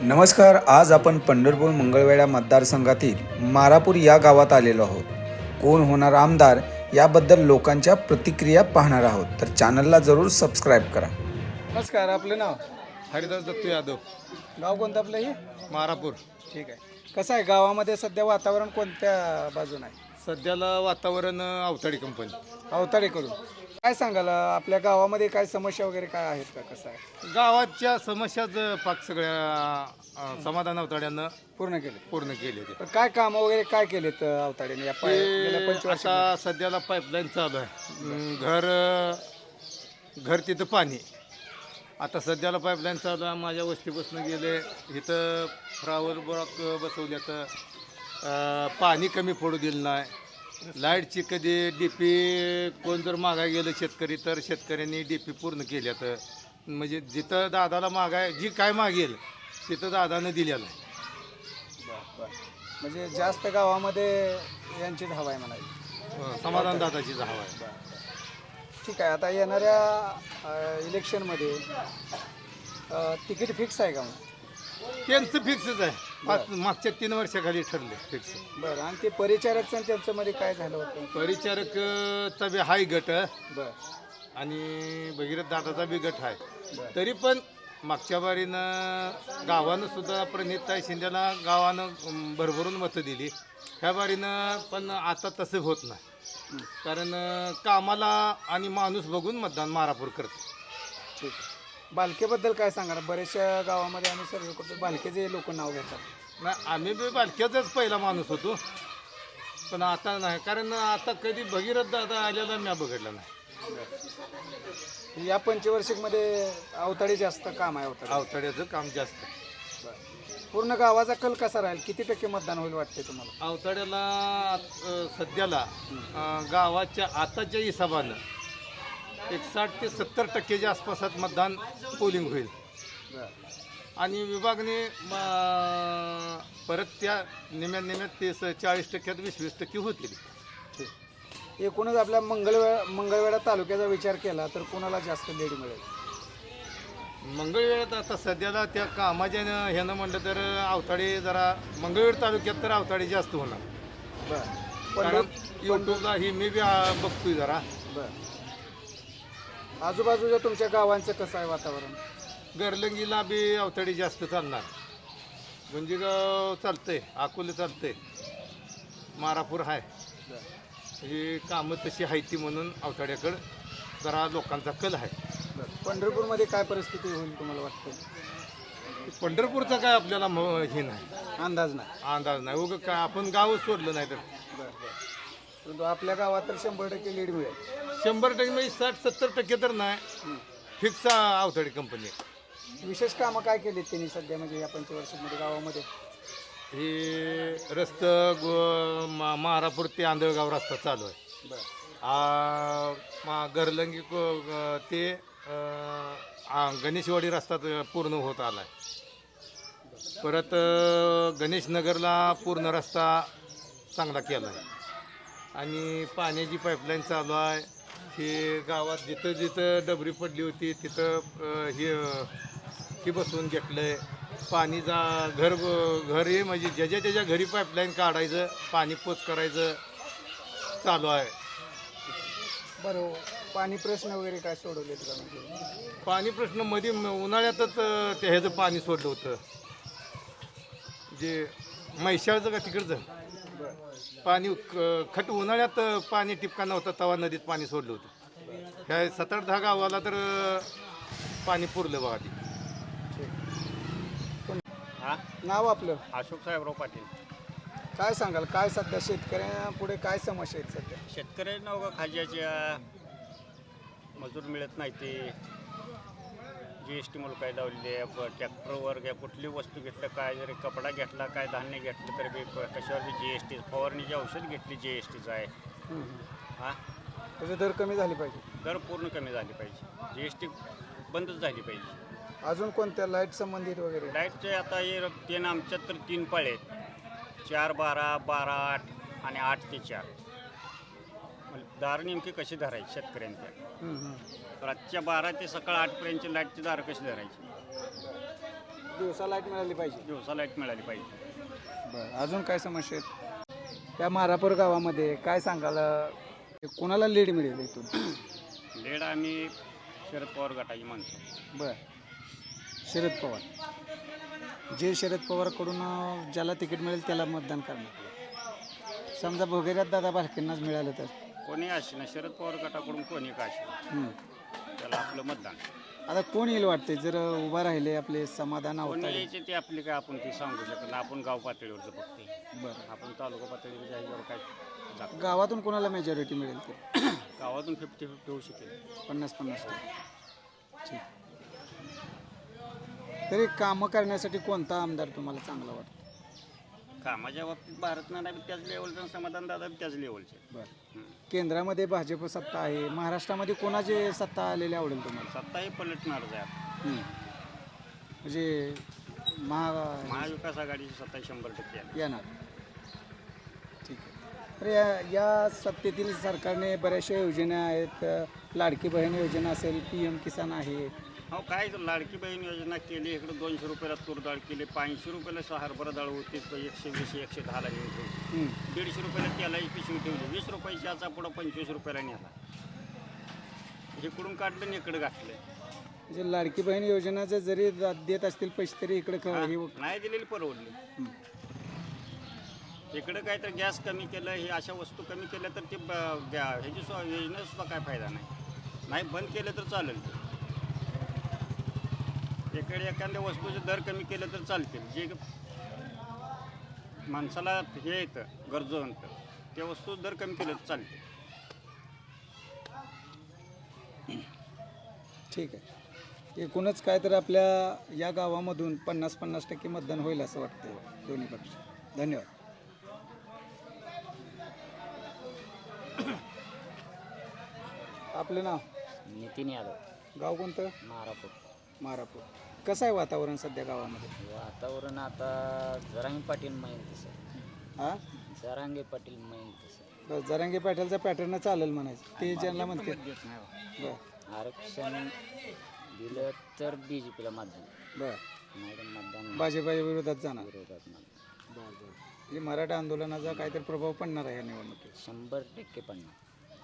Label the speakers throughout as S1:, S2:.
S1: नमस्कार. आज आपण पंढरपूर मंगळवेढा मतदारसंघातील मारापूर या गावात आलेलो आहोत. कोण होणार आमदार याबद्दल लोकांच्या प्रतिक्रिया पाहणार आहोत. तर चॅनलला जरूर सबस्क्राईब करा.
S2: नमस्कार. आपलं नाव?
S3: हरिदास दत्तू यादव,
S2: गाव कोणतं आपलं हे?
S3: मारापूर.
S2: ठीक आहे. कसं आहे गावामध्ये सध्या वातावरण कोणत्या बाजून आहे?
S3: सध्याला वातावरण अवताडी कंपनी.
S2: अवताडेकडून काय सांगाल आपल्या गावामध्ये काय समस्या वगैरे काय आहेत का? कसं आहे?
S3: गावाच्या समस्याच पाक सगळ्या समाधान अवताड्यानं
S2: पूर्ण केले.
S3: पूर्ण केले ते.
S2: तर काय कामं वगैरे काय केलेत अवताडेने या गेल्या 25 वर्षात?
S3: आता सध्याला पाईपलाईन चालू आहे. घर तिथं पाणी. आता सध्याला पाईपलाईन चालू आहे. माझ्या वस्तीपासून गेले इथं फ्लावर ब्लॉक बसवल्या तर पाणी कमी पडू दिलं नाही. लाईटची कधी डीपी कोण जर मागाय गेलं शेतकरी तर शेतकऱ्यांनी डीपी पूर्ण केल्या तर म्हणजे जिथं दादाला मागाय जी काय मागेल तिथं दादानं दिलेलं आहे.
S2: म्हणजे जास्त गावामध्ये यांचीच हवा आहे म्हणाली.
S3: समाधान दादाची हवा आहे.
S2: ठीक आहे. आता येणाऱ्या इलेक्शनमध्ये तिकीट फिक्स आहे का मग?
S3: त्यांचं फिक्सच आहे. मागच्या 3 वर्षाखाली ठरले फिक्स.
S2: बरं. आणि ते परिचारकचं त्यांचं मध्ये काय झालं होतं?
S3: परिचारकचा बी हाय गट
S2: बरं.
S3: आणि भगीरथ दादाचा बी गट आहे. तरी पण मागच्या बारीनं गावानं सुद्धा प्रणिताई शिंदेला गावानं भरभरून मतं दिली. ह्या बारीनं पण आता तसं होत नाही. कारण कामाला आणि माणूस बघून मतदान मारापूर करते.
S2: ठीक आहे. बालकेबद्दल काय सांगा? बऱ्याचशा गावामध्ये आम्ही सर्व करतो बालकेचे लोक नाव घेतात.
S3: नाही, आम्ही बी बालक्याचाच पहिला माणूस होतो पण आता नाही. कारण आता कधी भगीरथ दादा आलेला मी बघितला नाही.
S2: या पंचवार्षिकमध्ये अवताडी जास्त काम आहे.
S3: अवताड्याचं काम जास्त.
S2: पूर्ण गावाचा कल कसा राहील? किती टक्के मतदान होईल वाटते तुम्हाला?
S3: अवताड्याला सध्याला गावाच्या आताच्या हिशोबानं 60 ते 70% आसपासात मतदान पोलिंग होईल. आणि विभागने परत त्या निम्यात ते 40% 20% होतील.
S2: एकूणच आपल्या मंगळवेढा तालुक्याचा विचार केला तर कोणाला जास्त लीड मिळेल?
S3: मंगळवेढ्यात आता सध्याला त्या कामाच्या ह्यानं म्हणलं तर अवताडे जरा मंगळवेढ तालुक्यात तर अवताडे जास्त होणार. कारण यूट्यूबला ही मी बी बघतोय जरा.
S2: आजूबाजूच्या तुमच्या गावांचं कसं आहे वातावरण?
S3: गरलंगीला बी अवताडी जास्त चालणार. गुंजीगाव चालतंय, अकोले चालतंय, मारापूर आहे. ही कामं तशी आहे ती म्हणून अवताड्याकडं जरा लोकांचा कल आहे.
S2: पंढरपूरमध्ये काय परिस्थिती होईल तुम्हाला वाटतं?
S3: पंढरपूरचा काय आपल्याला हे नाही,
S2: अंदाज नाही.
S3: अंदाज नाही. उगं काय आपण गावच सोडलं नाही तर.
S2: परंतु आपल्या गावात तर 100% लीड मिळेल.
S3: 100% म्हणजे 60-70% तर नाही. Fix Avtadi company.
S2: विशेष कामं काय केलीत त्यांनी सध्या म्हणजे या पंचवार्षिकमध्ये गावामध्ये?
S3: हे मारापूर ते आंधळगाव रस्ता चालू आहे. गरलंगी ते गणेशवाडी रस्ता पूर्ण होत आला आहे. परत गणेशनगरला पूर्ण रस्ता चांगला केला आहे. आणि पाण्याची पाईपलाईन चालू आहे. हे गावात जिथं जिथं डबरी पडली होती तिथं हे बसवून घेतलं आहे. पाणी घर हे म्हणजे ज्याच्या त्याच्या घरी पाईपलाईन काढायचं, पाणी पोच करायचं चालू आहे.
S2: बरं. पाणी प्रश्न वगैरे काय सोडवलेत का? म्हणजे
S3: पाणी प्रश्न मध्ये उन्हाळ्यातच ते ह्याचं पाणी सोडलं होतं, जे म्हैशाळचं का तिकडचं पाणी खट उन्हाळ्यात पाणी टिपका नव्हतं तेव्हा नदीत पाणी सोडलं होतं. ह्या 7-8-10 गावाला तर पाणी पुरलं बघा. ती
S2: नाव आपलं?
S4: अशोक साहेबराव पाटील.
S2: काय सांगाल? काय सध्या शेतकऱ्यांपुढे काय समस्या आहेत सध्या?
S4: शेतकऱ्यांना उगा खाज्याच्या मजूर मिळत नाही. ते GST मुलं काय लावलेली आहे. ट्रॅक्टरवर घ्या कुठली वस्तू घेतलं, काय जरी कपडा घेतला, काय धान्य घेतलं तरी बी कशावर बी GST. फवारणीची औषध घेतली GSTचं आहे.
S2: त्याचे दर कमी झाले पाहिजे.
S4: दर पूर्ण कमी झाली पाहिजे. GST बंदच झाली पाहिजे.
S2: अजून कोणत्या लाईट संबंधित वगैरे?
S4: लाईटचे आता हे 3 आमच्यात तर 3 पाळे आहेत. 4-12, 12-8 आणि 8 ते 4. दार नेमकी कशी धरायची शेतकऱ्यांच्या? रातच्या 12 ते सकाळ 8 पर्यंतची लाईटची दार कशी धरायची?
S2: दिवसा लाईट मिळाली पाहिजे.
S4: दिवसा लाईट मिळाली पाहिजे.
S2: बरं, अजून काय समस्या आहेत त्या मारापूर गावामध्ये? काय सांगाल, कोणाला लीड मिळेल इथून?
S4: लेड आम्ही शरद पवार गटाची माणसं.
S2: बर, शरद पवार. जे शरद पवारकडून ज्याला तिकीट मिळेल त्याला मतदान करणार. समजा भोगेऱ्यात दादा भालकेंनाच मिळालं तर?
S4: कोणी असे ना, शरद पवार गटाकडून कोणी का असे, त्याला आपलं मतदान.
S2: आता कोण येईल वाटते जर उभा राहिले आपले समाधान
S4: कोणी
S2: अवताडे?
S4: यायचे ते आपले काय आपण ते सांगू शकत नाही. आपण गाव पातळीवरचं बघते.
S2: बरं,
S4: आपण तालुका पातळीवर ह्याच्यावर काय जात
S2: गावातून कोणाला मेजॉरिटी मिळेल तर?
S4: गावातून 50-50 होऊ शकेल.
S2: 50-50. ठीक. तरी कामं करण्यासाठी कोणता आमदार तुम्हाला चांगला वाटतो?
S4: कामाच्या बाबतीत भारत नाना बी त्याच लेवलचं, समाधान दादा बी त्याच लेवलचे.
S2: बरं, केंद्रामध्ये भाजप सत्ता आहे, महाराष्ट्रामध्ये कोणाची सत्ता आलेली आवडेल तुम्हाला?
S4: सत्ताही पलटणारच आहे आता.
S2: म्हणजे
S4: महाविकास आघाडीची सत्ता 100% आहे.
S2: येणार. ठीक आहे. तर या सत्तेतील सरकारने बऱ्याचशा योजना आहेत. लाडकी बहीण योजना असेल, PM किसान आहे.
S4: हो, काय लाडकी बहीण योजना केली. इकडे 200 रुपयाला तूर डाळ केली, 500 रुपयाला हरभरा डाळ होती, 120-110ला घ्यायची. 150 रुपयाला तेलाची पिशवी ठेवली, 20 रुपयाची याचा पुढं 25 रुपयाला नेला. इकडून काढलं आणि इकडे घातलं.
S2: म्हणजे लाडकी बहीण योजनाचं जरी देत असतील पैसे तरी इकडे
S4: नाही दिलेली परवडली. इकडे काय तर गॅस कमी केलं, हे अशा वस्तू कमी केल्या तर ते ह्याची योजनेचा सुद्धा काय फायदा नाही. बंद केलं तर चालेल. इकडे एखाद्या वस्तूचे दर कमी केलं तर चालतील. जे माणसाला हे येतं गरजवंत, त्या वस्तू दर कमी केलं तर चालते.
S2: ठीक आहे. एकूणच काय तर आपल्या या गावामधून 50-50% मतदान होईल असं वाटतं दोन्ही पक्ष. धन्यवाद. आपलं नाव?
S5: नितीन यादव,
S2: गाव कोणतं? मारापूर. कसं आहे वातावरण सध्या गावामध्ये?
S5: वातावरण आता जरांगे पाटील मैल तसं.
S2: हां,
S5: जरांगे पाटील मैल तसं.
S2: बस जरांगे पाटीलचा पॅटर्न चालेल म्हणायचं. ते ज्यांना म्हणते बरं
S5: आरक्षण दिलं तर BJPला मतदान,
S2: बरं,
S5: नाही तर मतदान
S2: भाजपाच्या विरोधात जाणार.
S5: विरोधात मतदान.
S2: बरं. म्हणजे मराठा आंदोलनाचा काहीतरी प्रभाव पडणार आहे या निवडणुकीत?
S5: 100% पडणार.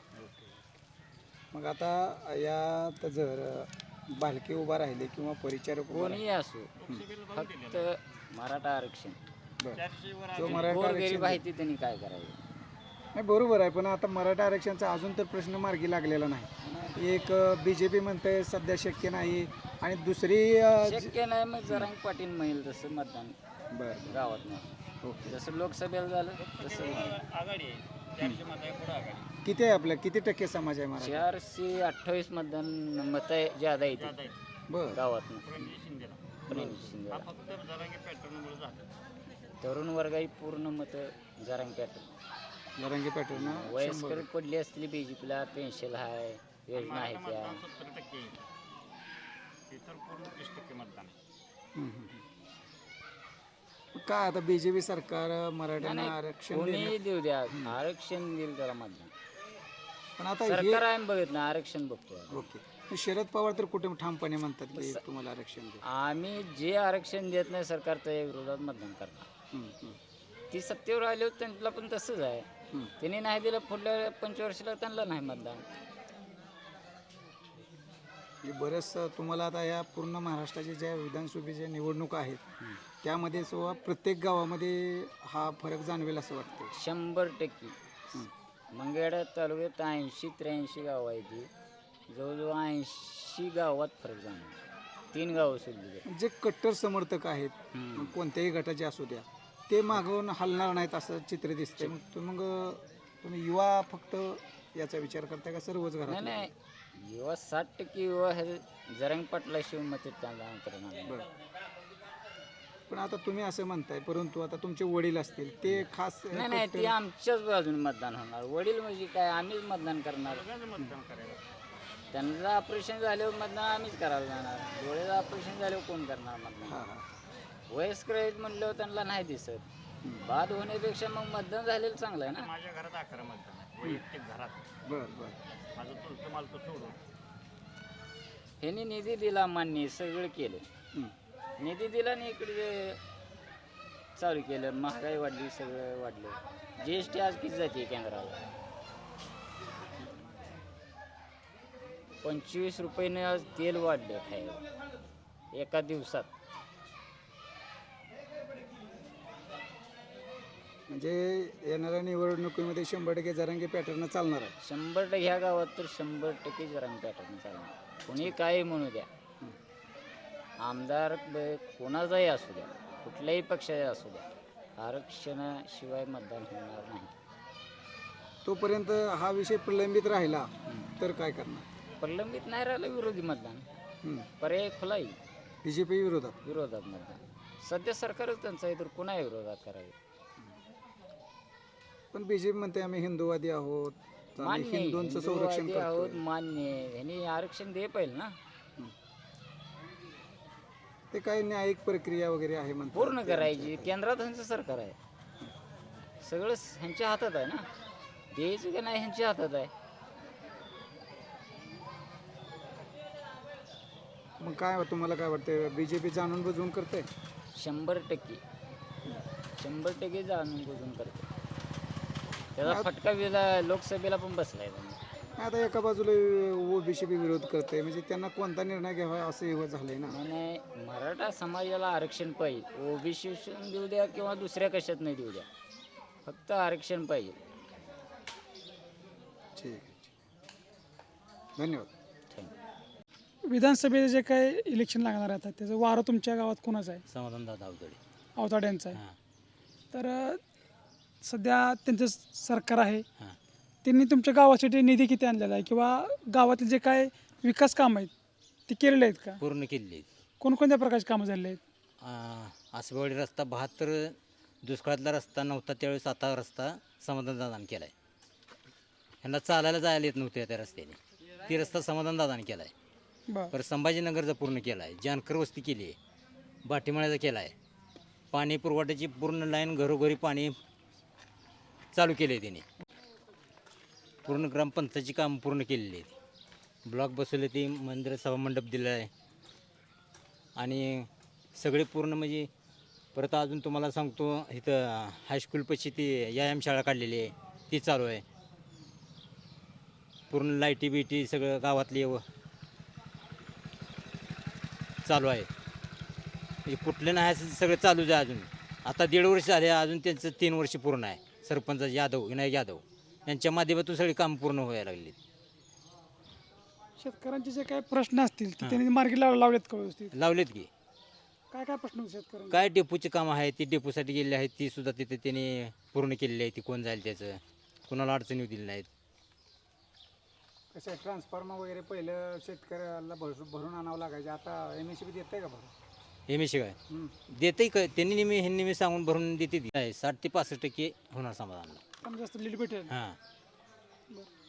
S2: मग आता यात जर बालके उभा राहिले किंवा परिचारक उभा
S5: कोणीही असो, फक्त मराठा आरक्षण.
S2: बरं, जो मराठा
S5: गोरगरीब
S2: आरक्षण
S5: आहे ती त्यांनी काय करायचं?
S2: नाही, बरोबर आहे. पण आता मराठा आरक्षणचा अजून तर प्रश्न मार्गी लागलेला नाही. एक BJP म्हणते सध्या शक्य नाही, आणि दुसरी
S5: शक्य नाही. मग जरांगे पाटील मैल तसं मतदान
S2: बरं,
S5: गावात नाही.
S2: ओके.
S5: जसं लोकसभेला झालं तसं
S4: आघाडी आहे, 400 मत आहे पुढं आघाडी.
S2: किती आहे आपल्या, किती टक्के समाज आहे मराठा?
S5: 428 मतदान मत ज्यादा येते
S2: बरं,
S5: गावात.
S4: रणजित शिंदेला.
S5: प्रणित शिंदे,
S4: हा फक्त जरांगे पॅटर्नमुळे झालं.
S5: तरुण वर्गाची पूर्ण मत जरांगे पॅटर्न.
S2: जरांगे पॅटर्न
S5: वयस्कर पडली असतील BJPला, पेन्शन आहे, योजना आहे त्या.
S4: 70% येईल. इतर पूर्ण 30% मतदान आहे.
S2: काय आता BJP सरकार मराठ्यांना आरक्षण
S5: कोणी
S2: देण्यात-
S5: देऊ द्या, आरक्षण देईल त्याला मतदान.
S2: पण आता हे
S5: सरकार आम्ही बघत नाही, आरक्षण बघतो.
S2: ओके. शरद पवार तर कुठे ठामपणे म्हणतात की तुम्हाला आरक्षण द्या.
S5: आम्ही जे आरक्षण देत नाही सरकार त्या विरोधात मतदान करणार. ती सत्तेवर आले होते त्यांना पण तसंच आहे. त्यांनी नाही दिलं, पुढल्या पंचवर्षीला त्यांना नाही मतदान.
S2: हे बरंच तुम्हाला आता या पूर्ण महाराष्ट्राच्या ज्या विधानसभेच्या निवडणुका आहेत त्यामध्ये सुद्धा प्रत्येक गावामध्ये हा फरक जाणवेल असं वाटतं.
S5: 100%. मंगळवेढा तालुक्यात 80-83 गावं आहे ती. जवळजवळ 80 गावात फरक जाणार. 3 गावं सोडली.
S2: जे कट्टर समर्थक आहेत मग कोणत्याही गटाचे असू द्या, ते मागून हलणार नाहीत असं चित्र दिसतंय. मग तुम्ही युवा फक्त याचा विचार करताय का सर्वच
S5: नाही
S2: घरात?
S5: नाही, युवा 60% युवा हे जरांगे पाटलाशिवाय मत त्यांना करणार.
S2: बरं. पण आता तुम्ही असं म्हणताय, परंतु आता तुमचे वडील असतील ते खास
S5: नाही नाही, ते आमच्याच बाजून मतदान होणार. वडील म्हणजे काय, आम्हीच मतदान करणार.
S4: मतदान करायला.
S5: त्यांचं ऑपरेशन झाल्यावर मतदान आम्हीच करायला जाणार. डोळ्याचं ऑपरेशन झाल्यावर कोण करणार मतदान?
S2: हां हां.
S5: वयस्कर आहेत म्हणल्यावर त्यांना नाही दिसत. बाद होण्यापेक्षा मग मतदान झालेलं चांगलं आहे ना.
S4: माझ्या घरात 11 मतदान आहे, वैयक्तिक घरात.
S2: बरं बरं.
S4: माझं चुलतं मालतं सोडून.
S5: ह्यांनी निधी दिला, मान्य सगळं केलं. निधी दिला आणि इकडे चालू केलं. महागाई वाढली, सगळं वाढलं. GST आज किती जाते केंद्राला? 25 रुपयाने आज तेल वाढलं खायला एका दिवसात.
S2: म्हणजे येणाऱ्या निवडणुकीमध्ये 100% जरांगे पॅटर्न चालणार आहे.
S5: 100% ह्या गावात तर 100% जरांगे पॅटर्न चालणार. कोणी काही म्हणू द्या, आमदार कोणाचाही असू द्या, कुठल्याही पक्षाचा असू द्या, आरक्षणाशिवाय मतदान होणार नाही.
S2: तोपर्यंत हा विषय प्रलंबित राहिला तर काय करणार?
S5: प्रलंबित नाही राहिलं विरोधी मतदान,
S2: हं.
S5: पर्याय खुला येईल.
S2: BJP विरोधात.
S5: विरोधात मतदान. सध्या सरकारच त्यांचं आहे तर कुणा विरोधात करावे?
S2: पण BJP म्हणते आम्ही हिंदूवादी आहोत, आम्ही
S5: मान्य आहे,
S2: हिंदूंचं संरक्षण
S5: हिंदूवादी आहोत,
S2: करतो.
S5: मान्य आहे. ह्यांनी आरक्षण दे पाहिजे ना,
S2: ते काय न्यायिक प्रक्रिया वगैरे आहे म्हणतात.
S5: पूर्ण करायची. केंद्रात ह्यांचं सरकार आहे, सगळं ह्यांच्या हातात आहे ना, द्यायचं का नाही ह्यांच्या हातात आहे.
S2: मग काय तुम्हाला काय वाटतं, BJP जाणून बुजवून करते?
S5: 100% 100% जाणून बुजून करते. त्याचा फटका लोकसभेला पण बसलाय त्यांना.
S2: आता एका बाजूला BJP विरोध करते, म्हणजे त्यांना कोणता निर्णय घ्यावा असं हे झालंय ना.
S5: आणि मराठा समाजाला आरक्षण पाहिजे. OBC देऊ द्या किंवा दुसऱ्या कशात नाही देऊ द्या, फक्त आरक्षण पाहिजे.
S2: ठीक आहे. धन्यवाद.
S5: थँक्यू.
S6: विधानसभेचे जे काय इलेक्शन लागणार आहे आता त्याचं वारं तुमच्या गावात कोणाचं आहे?
S7: समाधान दादा अवतडे.
S6: अवताडे यांचं आहे.
S7: हां
S6: तर सध्या त्यांचं सरकार आहे,
S7: हां
S6: त्यांनी तुमच्या गावासाठी निधी किती आणलेला आहे किंवा गावातील जे काय विकास कामं आहेत ते केलेले आहेत का?
S7: पूर्ण केलेली आहेत.
S6: कोणकोणत्या प्रकारचे कामं झालेले आहेत?
S7: आसबेवाडी रस्ता 72 दुष्काळातला रस्ता नव्हता त्यावेळेस आता रस्ता समाधान दादाने केला आहे. ह्यांना चालायला जायला येत नव्हते त्या रस्त्याने, ती रस्ता समाधान दादाने केला आहे.
S6: बरं.
S7: परत संभाजीनगरचा पूर्ण केला आहे, जानकर वस्ती केली आहे, बाटीमाळ्याचा केला आहे, पाणी पुरवठ्याची पूर्ण लाईन घरोघरी पाणी चालू केले आहे त्याने. पूर्ण ग्रामपंचायतीची कामं पूर्ण केलेली आहेत. ब्लॉक बसवले, ते मंदिर सभामंडप दिलं आहे आणि सगळे पूर्ण म्हणजे. परत अजून तुम्हाला सांगतो, इथं हायस्कूलपाशी ती व्यायामशाळा काढलेली आहे, ती चालू आहे. पूर्ण लाईटी बिटी सगळं गावातली चालू आहे. म्हणजे कुठलं नाही असं सगळं चालूच आहे अजून. आता 1.5 वर्ष झाले, अजून त्यांचं 3 वर्ष पूर्ण आहे. सरपंच विनायक यादव यांच्या माध्यमातून सगळी कामं पूर्ण व्हायला लागली.
S6: शेतकऱ्यांचे जे काही प्रश्न असतील ते त्यांनी मार्गी लावलेत का व्यवस्थित?
S7: लावलेत की.
S6: काय काय प्रश्न होते शेतकऱ्यांचे?
S7: काय डेपोची कामं आहेत, ती डेपोसाठी गेलेली आहेत, ती सुद्धा तिथे त्यांनी पूर्ण केलेली आहे. ती कोण जाईल त्याचं, कुणाला अडचणी दिली नाहीत.
S2: कसं आहे, ट्रान्सफॉर्मर वगैरे पहिलं शेतकऱ्याला भरून आणावं लागायचं, आता MSCB देत आहे का भरून?
S7: MSC काय देते का त्यांनी ह्यांनी सांगून भरून देते. 60 ते 65% होणार समाधान.
S6: कमी जास्त लीड भेटेल.
S7: हां
S6: बरं.